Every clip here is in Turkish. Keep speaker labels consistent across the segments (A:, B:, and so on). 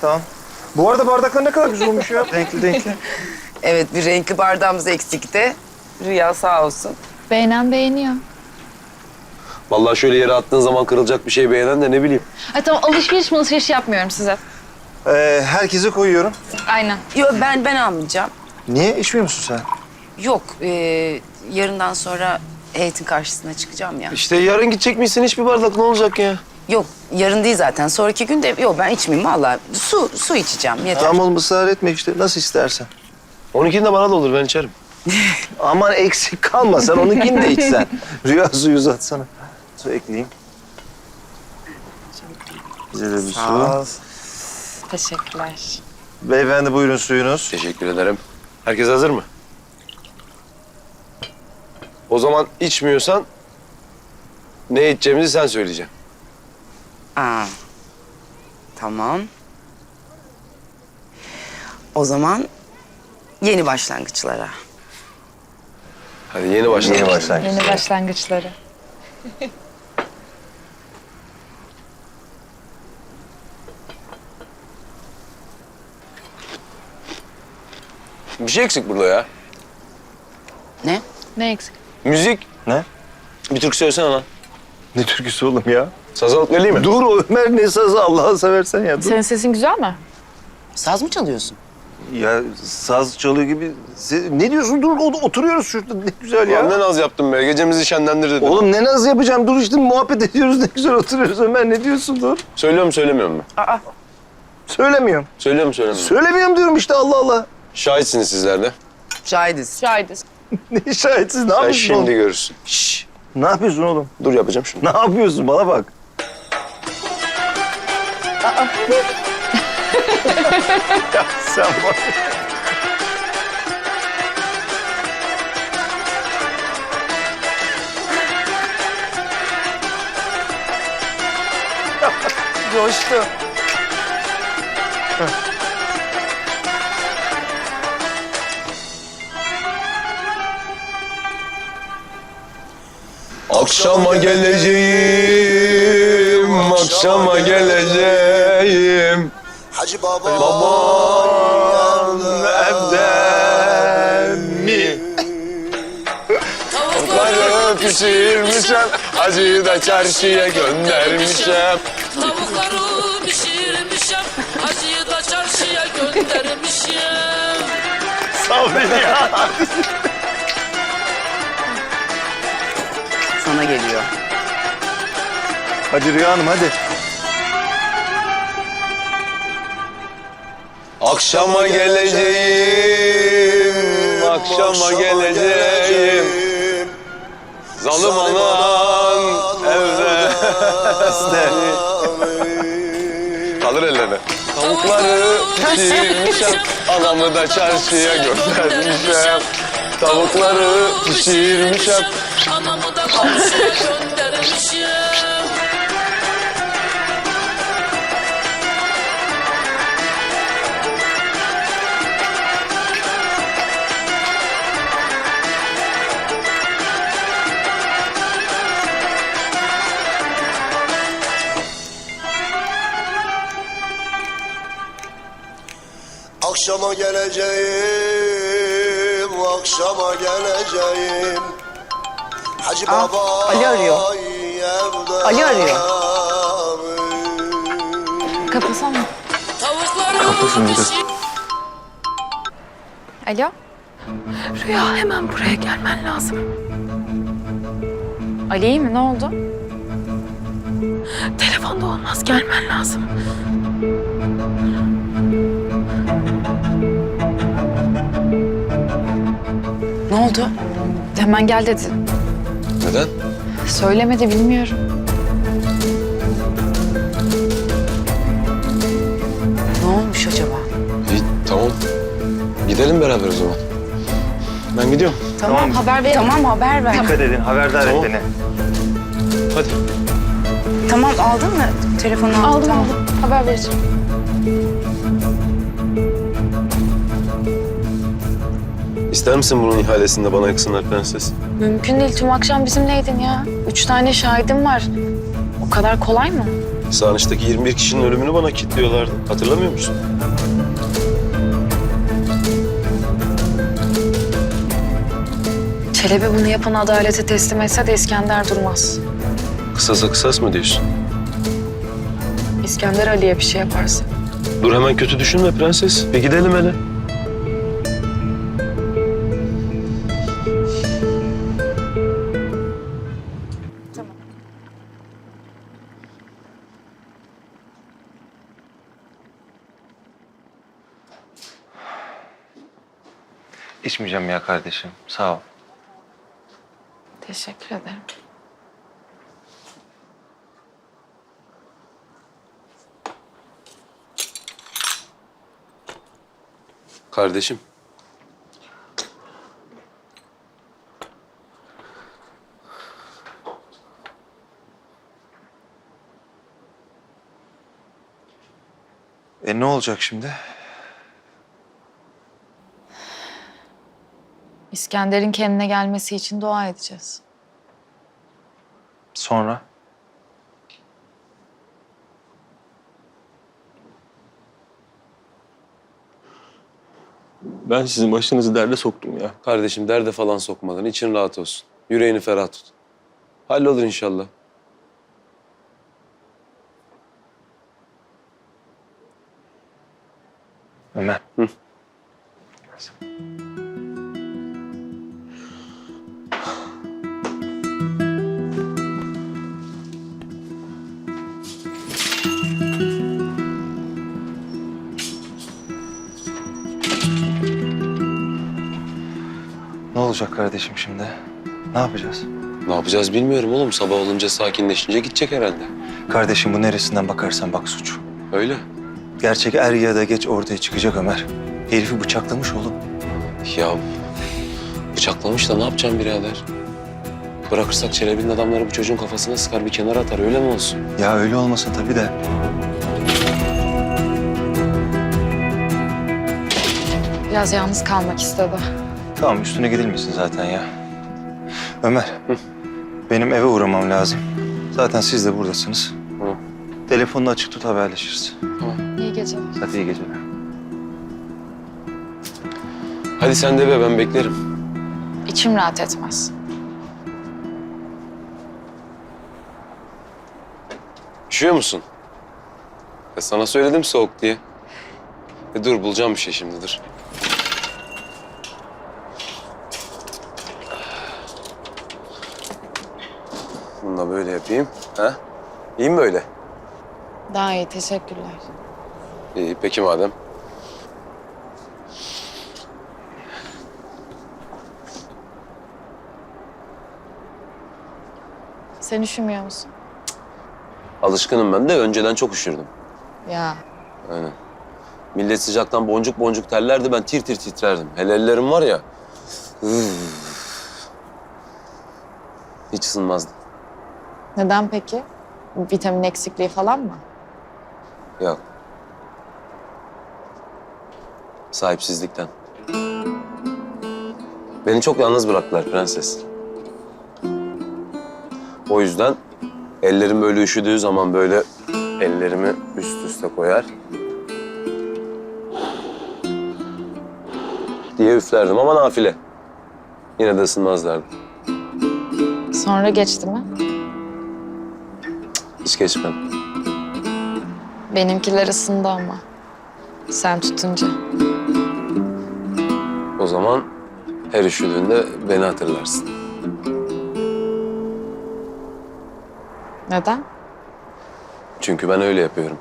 A: tamam. Bu arada bardaklar ne kadar güzel olmuş ya. Renkli renkli.
B: Evet, bir renkli bardağımız eksikti. Rüya sağ olsun.
C: Beğenen beğeniyor.
D: Vallahi şöyle yere attığın zaman kırılacak bir şey beğenen de ne bileyim.
C: Ay tamam, alışveriş yapmıyorum size.
A: Herkese koyuyorum.
C: Aynen.
B: Yok, ben almayacağım.
A: Niye? İçmiyor musun sen?
B: Yok, yarından sonra heyetin karşısına çıkacağım ya.
D: İşte yarın gidecek misin hiçbir bardak ne olacak ya?
B: Yok, yarın değil zaten. Sonraki gün de yok, ben içmeyeyim vallahi. Su içeceğim, yeter.
A: Tamam oğlum ısrar etme işte. Nasıl istersen.
D: 12'nin de bana da olur ben içerim.
A: Aman eksik kalma sen onunkini de içsen. Rüya suyu uzatsana. Su ekleyeyim. Bize de bir su.
C: Teşekkürler.
A: Beyefendi buyurun suyunuz.
D: Teşekkür ederim. Herkes hazır mı? O zaman içmiyorsan ne içeceğimizi sen söyleyeceksin.
B: Aa, tamam. O zaman yeni başlangıçlara.
D: Hadi yeni başlayalım.
A: Yeni başlangıç.
C: Yeni başlangıçları.
D: Bir şey eksik burada ya.
B: Ne?
C: Ne eksik?
D: Müzik.
A: Ne?
D: Bir türkü söylesene lan.
A: Ne türküsü oğlum ya?
D: Saz alıp geleyim mi?
A: Dur o Ömer ne sazı Allah'ını seversen ya. Dur.
C: Senin sesin güzel mi?
B: Saz mı çalıyorsun?
A: Ya saz çalıyor gibi. Ne diyorsun? Dur oturuyoruz şurada ne güzel ya.
D: Ya ne naz yaptın be. Gecemizi şenlendir dedim.
A: Oğlum ne naz yapacağım? Dur işte muhabbet ediyoruz ne güzel oturuyoruz Ömer. Ne diyorsun dur?
D: Söylüyor mu söylemiyor mu?
A: Söylemiyorum.
D: Söylüyor mu söylemiyor mu?
A: Söylemiyorum diyorum işte Allah Allah.
D: Şahitsiniz sizler de.
B: Şahidiz.
C: Şahidiz.
A: Ne şahitsiz ne
D: Sen
A: yapıyorsun
D: şimdi
A: oğlum?
D: görürsün.
A: Şşş. Ne yapıyorsun oğlum?
D: Dur yapacağım şunu.
A: Ne yapıyorsun bana bak. Ya sen bak.
B: Coştu.
D: Akşama geleceğim, akşama geleceğim.
E: Hacı Baba
D: Babam evde mi? Tavukları pişirmişim, acıyı da çarşıya göndermişim.
F: Tavukları pişirmişim, acıyı da çarşıya göndermişim.
A: Sağ ol beni ya.
B: Sana geliyor.
A: Hadi Rüya Hanım hadi.
D: Akşama geleceğim, akşama geleceğim. Zalim anan evde. Kaldır ellerine. Tavukları pişirmişim, anamı da çarşıya göndermişim. Tavukları pişirmişim.
F: Anamı da komşuya göndermişim.
E: Akşama geleceğim, akşama geleceğim. Hacı Baba
B: Ali arıyor.
E: evde
B: Ali arıyor.
C: Kapasana.
F: Tavukları pişir...
C: Alo?
G: Rüya hemen buraya gelmen lazım.
C: Ali iyi mi? Ne oldu?
G: Telefonda olmaz, gelmen lazım.
B: Ne oldu?
C: Hemen gel dedi.
D: Neden?
C: Söylemedi, bilmiyorum.
B: Ne olmuş acaba?
D: İyi, tamam. Gidelim beraber o zaman. Ben gidiyorum.
B: Tamam,
C: haber ver.
B: Tamam, haber ver.
A: Dikkat edin haberdar
D: Tamam.
A: et beni.
D: Hadi.
B: Tamam, aldın mı? Telefonu aldın.
C: Aldım
B: Tamam.
C: aldım. Haber vereceğim.
D: İster misin bunun ihalesinde bana yaksınlar prenses?
C: Mümkün değil. Tüm akşam bizimleydin ya. 3 tane şahidim var. O kadar kolay mı?
D: Sarnıç'taki 21 kişinin ölümünü bana kilitliyorlardı. Hatırlamıyor musun?
C: Çelebi bunu yapan adalete teslim etse de İskender durmaz.
D: Kısasa kısas mı diyorsun?
C: İskender Ali'ye bir şey yaparsa.
D: Dur hemen kötü düşünme prenses. Bir gidelim hele.
A: İçmeyeceğim ya kardeşim. Sağ ol.
C: Teşekkür ederim.
D: Kardeşim.
A: Ne olacak şimdi?
C: İskender'in kendine gelmesi için dua edeceğiz.
A: Sonra?
H: Ben sizin başınızı derde soktum ya.
D: Kardeşim derde falan sokmadan için rahat olsun. Yüreğini ferah tut. Hallolur inşallah.
A: Ömer.
D: Hı.
A: Ne olacak kardeşim şimdi? Ne yapacağız?
D: Ne yapacağız bilmiyorum oğlum. Sabah olunca sakinleşince gidecek herhalde.
A: Kardeşim bu neresinden bakarsan bak suç.
D: Öyle.
A: Gerçek er ya da geç ortaya çıkacak Ömer. Herifi bıçaklamış oğlum.
D: Ya bıçaklamış da ne yapacağım birader? Bırakırsak Çelebi'nin adamları bu çocuğun kafasına sıkar bir kenara atar öyle mi olsun?
A: Ya öyle olmasın tabii de.
C: Biraz yalnız kalmak istedi.
A: Tamam üstüne gidilmesin zaten ya. Ömer. Benim eve uğramam lazım. Zaten siz de buradasınız.
D: Hı.
A: Telefonunu açık tut haberleşiriz.
C: İyi geceler.
A: Hadi iyi geceler.
D: Hadi sen de be ben beklerim.
C: İçim rahat etmez.
D: Üşüyor musun? Sana söyledim soğuk diye. Dur bulacağım bir şey şimdi dur. Bunu da böyle yapayım. Ha? İyi mi böyle?
C: Daha iyi, teşekkürler.
D: İyi peki madem.
C: Sen üşümüyor musun?
D: Alışkınım ben de önceden çok üşürdüm.
C: Ya.
D: Aynen. Millet sıcaktan boncuk boncuk terlerdi ben tir tir titrerdim. Hele ellerim var ya. Hiç ısınmazdı.
C: Neden peki? Vitamin eksikliği falan mı?
D: Yok. Sahipsizlikten. Beni çok yalnız bıraktılar prenses. O yüzden ellerim böyle üşüdüğü zaman böyle ellerimi üst üste koyar. Diye üflerdim ama nafile. Yine de ısınmazlardı.
C: Sonra geçti mi?
D: Hiç geçmem.
C: Benimkiler ısındı ama. Sen tutunca.
D: O zaman her üşüdüğünde beni hatırlarsın.
C: Neden?
D: Çünkü ben öyle yapıyorum.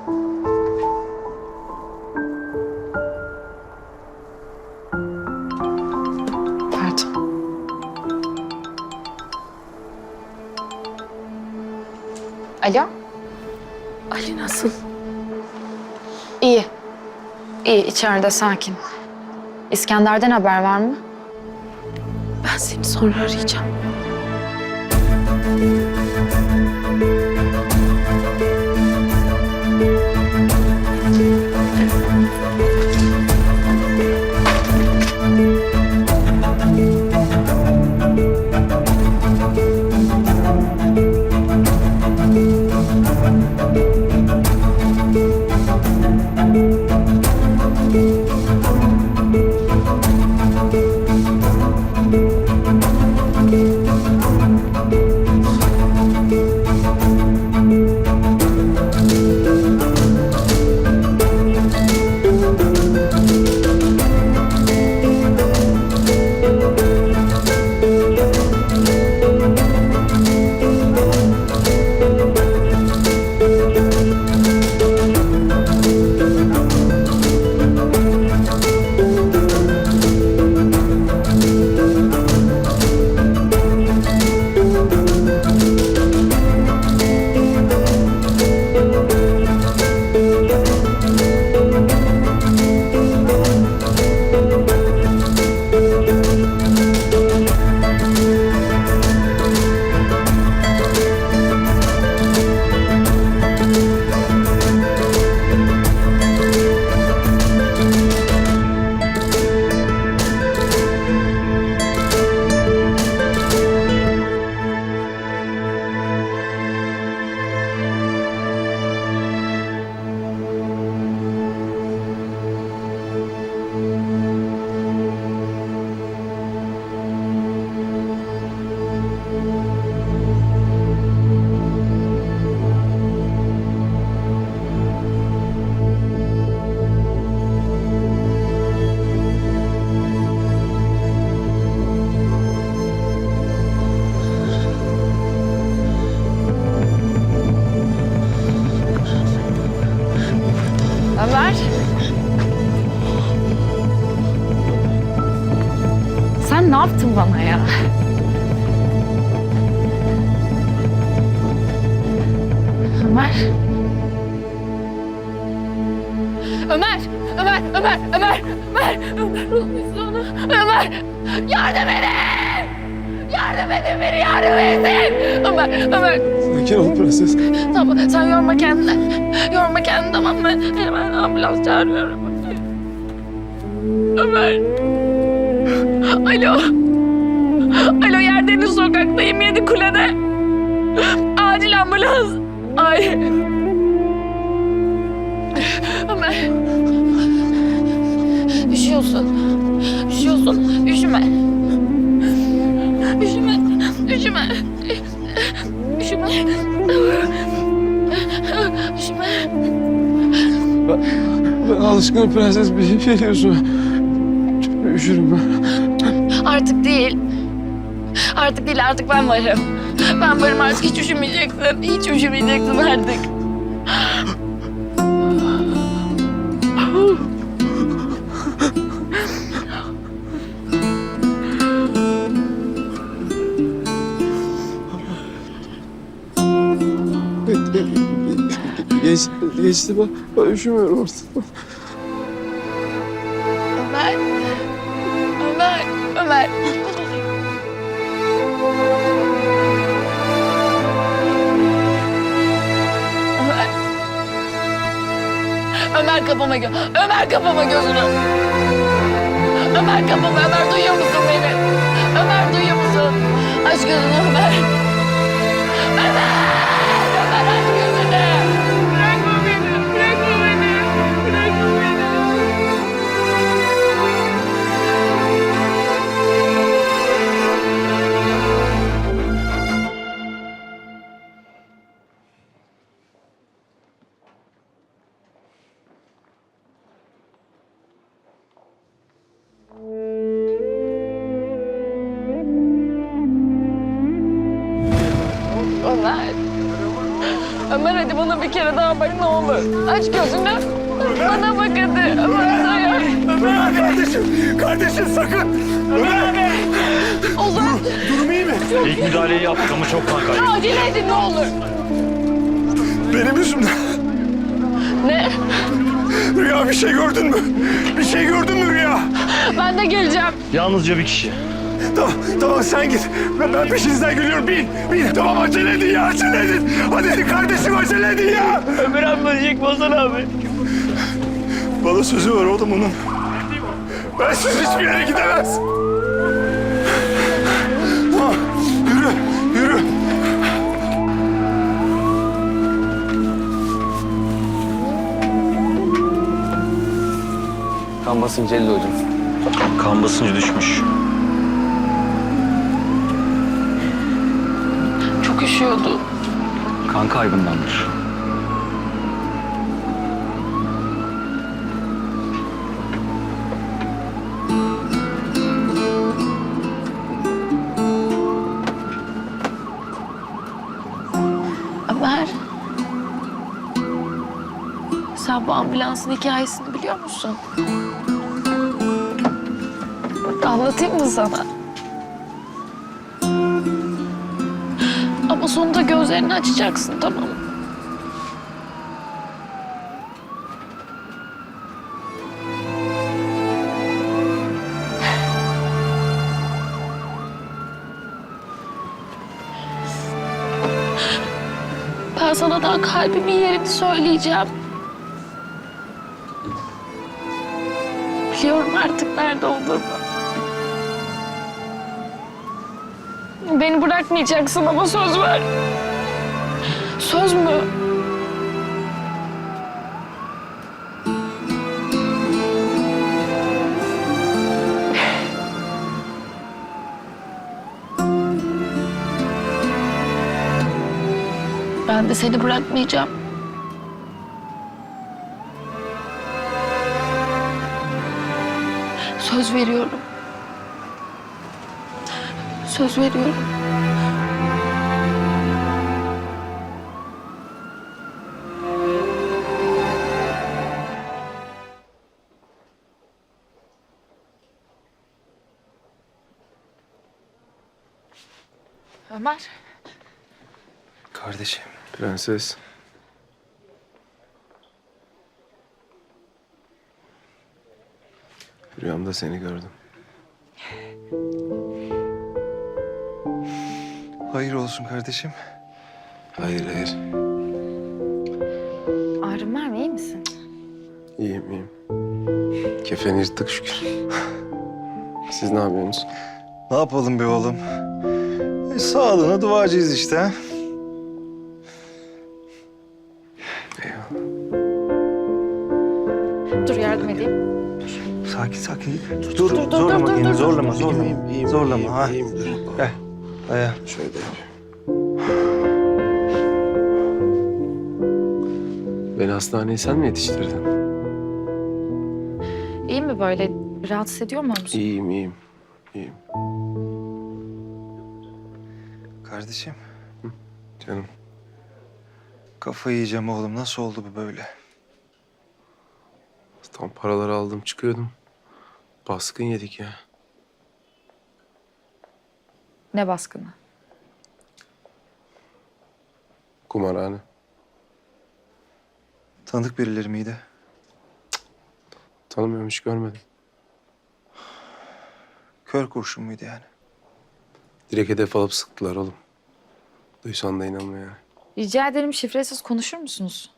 C: Pardon. Alo?
G: Ali nasıl?
C: İyi. İyi, içeride sakin. İskender'den haber var mı?
G: Ben seni sonra arayacağım.
C: ya. Ömer. Ömer! Ömer! Ömer! Ömer! Ömer! Ömer olmuş ona. Ömer! Yardım edin! Yardım edin beni, yardım edin! Ömer! Ömer!
H: Sakin ol prenses.
C: Tamam, sen yorma kendini. Yorma kendini, tamam mı? Hemen ambulans çağırıyorum. Ömer! Alo! Alo, Yerdeniz sokaktayım, 7 kulede. Acil ambulans. Ay! Ömer! Üşüyorsun. Üşüyorsun. Üşüme. Üşüme. Üşüme. Üşüme. Üşüme.
H: Ben alışkınım prenses. Bir şey diyorsun. Üşürüm ben.
C: Artık değil. Artık değil, artık ben varım. Ben varım artık, hiç üşümeyeceksin. Hiç üşümeyeceksin artık.
H: Geçti ben üşümüyorum artık.
C: Ömer. Ömer. Ömer. Ömer. Ömer kapama Ömer kapama gözünü. Ömer kapama. Ömer duyuyor musun beni? Ömer duyuyor musun? Aç gözünü Ömer. Ömer. Ömer aç gözünü. Bırakma beni. Bırakma beni. Bırakma beni. Ömer. Ömer hadi bana bir kere daha bak ne olur. Aç gözünü. Bana bak hadi. Ömer dayan.
E: Ömer kardeşim, kardeşim sakın. Ömer abi.
C: Olur.
E: Durum iyi mi?
I: İlk müdahaleyi yaptık ama çok kan kaybı.
C: Acele edin ne olur.
E: Benim yüzümden.
C: Ne?
E: Rüya bir şey gördün mü? Bir şey gördün mü Rüya?
C: Ben de geleceğim.
I: Yalnızca bir kişi.
E: Tamam, tamam sen git. Ben peşinizden geliyorum. Bin. Tamam acele edin ya, acele edin. Hadi kardeşim acele edin ya.
I: Ömer abi ölecek Bozan abi.
E: Bana sözü var oğlum onun. Ben siz hiçbir yere gidemez. Tamam, yürü.
D: Kan basıncı 50 hocam.
I: Kan basıncı düşmüş.
C: Çok üşüyordu.
I: Kan kaybındandır.
C: Ömer. Sen bu ambulansın hikayesini biliyor musun? Anlatayım mı sana? Ama sonunda gözlerini açacaksın, tamam mı? Ben sana daha kalbimin yerini söyleyeceğim. Biliyorum artık nerede olduğunu. Beni bırakmayacaksın ama söz ver. Söz mü? Ben de seni bırakmayacağım. Söz veriyorum. Söz veriyorum. Ömer.
A: Kardeşim.
H: Prenses. Rüyamda seni gördüm.
A: Hayır olsun kardeşim.
H: Hayır, hayır.
C: Ağrın var mı? İyi misin?
H: İyiyim, iyiyim. Kefeni yırttık şükür. Siz ne yapıyorsunuz?
A: Ne yapalım be oğlum? Sağlığına duacıyız işte ha.
H: Eyvallah.
C: Dur yardım edeyim.
A: Sakin sakin. Dur, zorlama kendini, zorlama, zorlama. Zorlama, ha.
H: İyiyim, dur.
A: Gel, dayan.
H: Şöyle yapayım. Beni hastaneye sen mi yetiştirdin?
C: İyi mi böyle? Rahatsız ediyor mu musun?
H: İyiyim, iyiyim. İyiyim.
A: Kardeşim,
H: Canım.
A: kafayı yiyeceğim oğlum. Nasıl oldu bu böyle?
H: Tam paraları aldım çıkıyordum. Baskın yedik ya.
C: Ne baskını?
H: Kumarhane.
A: Tanıdık birileri miydi?
H: Tanımıyorum, hiç görmedim.
A: Kör kurşun muydu yani?
H: Direkt hedef alıp sıktılar oğlum. Duysan da inanma yani.
C: Rica ederim şifresiz konuşur musunuz?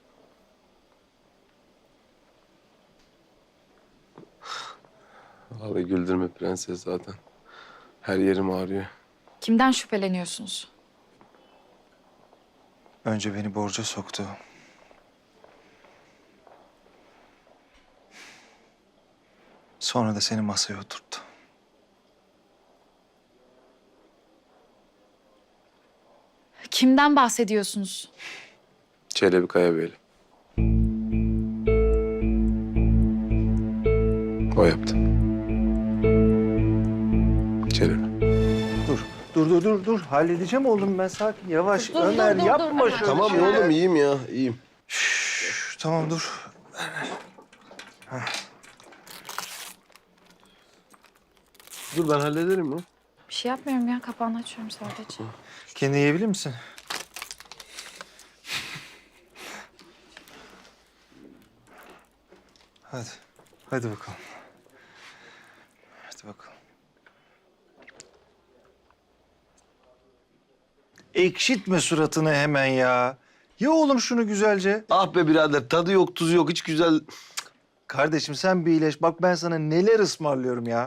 H: Vallahi güldürme prenses zaten. Her yerim ağrıyor.
C: Kimden şüpheleniyorsunuz?
A: Önce beni borca soktu. Sonra da seni masaya oturttu.
C: Kimden bahsediyorsunuz?
H: Çelebi Kayabeyli. O yaptı. Çelebi.
A: Dur. Halledeceğim oğlum ben, sakin. Yavaş. Ömer yapma şöyle
H: Tamam
A: şey.
H: oğlum, iyiyim ya, iyiyim.
A: Tamam dur.
H: Dur ben hallederim ya.
C: Bir şey yapmıyorum ya. Kapağını açıyorum sadece.
A: Kendini yiyebilir misin? Hadi. Hadi bakalım. Hadi bakalım. Ekşitme suratını hemen ya. Ye oğlum şunu güzelce.
H: Ah be birader, tadı yok, tuzu yok, hiç güzel...
A: Kardeşim sen bir iyileş. Bak ben sana neler ısmarlıyorum ya.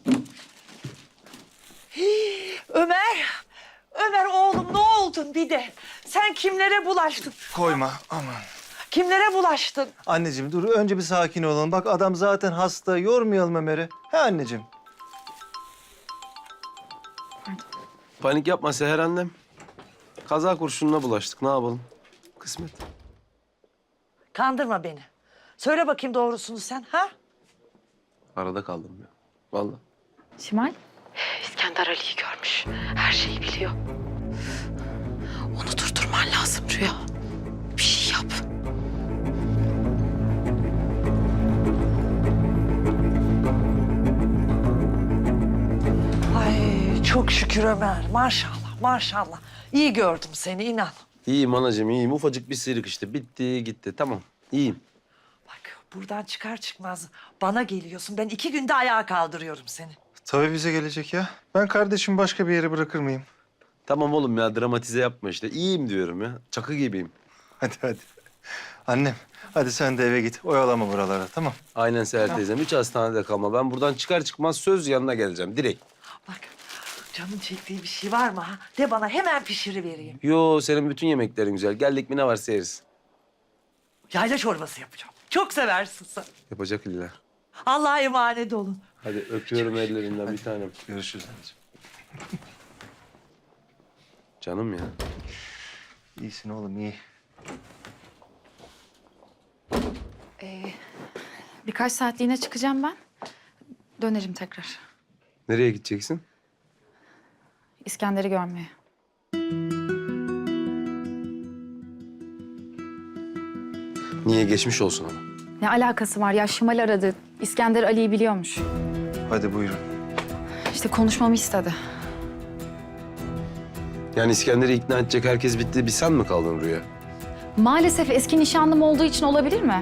J: Ömer, Ömer oğlum ne oldun bir de? Sen kimlere bulaştın?
A: Koyma aman.
J: Kimlere bulaştın?
A: Anneciğim dur önce bir sakin olalım. Bak adam zaten hasta. Yormayalım Ömer'i. He anneciğim.
H: Panik yapma Seher annem. Kaza kurşununa bulaştık, ne yapalım? Kısmet.
J: Kandırma beni. Söyle bakayım doğrusunu sen ha?
H: Arada kaldım ya, vallahi.
C: Şimal?
G: İskender Ali'yi görmüş. Her şeyi biliyor. Onu durdurman lazım Rüya. Bir şey yap.
J: Ay çok şükür Ömer. Maşallah, maşallah. İyi gördüm seni inan.
H: İyiyim anacığım, iyiyim. Ufacık bir sıyrık işte. Bitti, gitti. Tamam, iyiyim.
J: Bak buradan çıkar çıkmaz bana geliyorsun. Ben 2 günde ayağa kaldırıyorum seni.
A: Tabii bize gelecek ya. Ben kardeşimi başka bir yere bırakır mıyım?
H: Tamam oğlum ya, dramatize yapma işte. İyiyim diyorum ya. Çakı gibiyim.
A: Hadi. Annem hadi sen de eve git. Oyalama buralara tamam.
H: Aynen Seher teyzem. Hiç hastanede kalma. Ben buradan çıkar çıkmaz söz yanına geleceğim. Direkt.
J: Bak canın çektiği bir şey var mı ha? De bana hemen pişirivereyim.
H: Yo, senin bütün yemeklerin güzel. Geldik mi ne varsa yeriz.
J: Yayla çorbası yapacağım. Çok seversin sen.
H: Yapacak illa.
J: Allah'a emanet olun.
H: Hadi öpüyorum ellerinden bir tanem.
A: Görüşürüz anneciğim.
H: Canım ya.
A: İyisin oğlum iyi.
C: Birkaç saatliğine çıkacağım ben. Dönerim tekrar.
H: Nereye gideceksin?
C: İskender'i görmeye.
H: Niye, geçmiş olsun ama.
C: Ne alakası var ya? Şimal aradı. İskender Ali'yi biliyormuş.
A: Hadi buyurun.
C: İşte konuşmamı istedi.
H: Yani İskender'i ikna edecek herkes bitti. Bir sen mi kaldın Rüya?
K: Maalesef eski nişanlım olduğu için olabilir mi?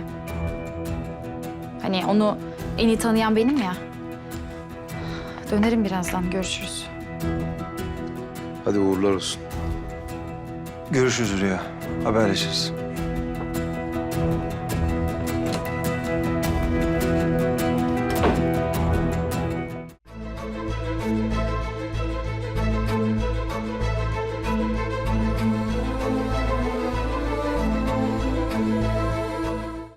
K: Hani onu en iyi tanıyan benim ya. Dönerim birazdan. Görüşürüz.
H: Hadi uğurlar olsun.
A: Görüşürüz Rüya. Haberleşiriz.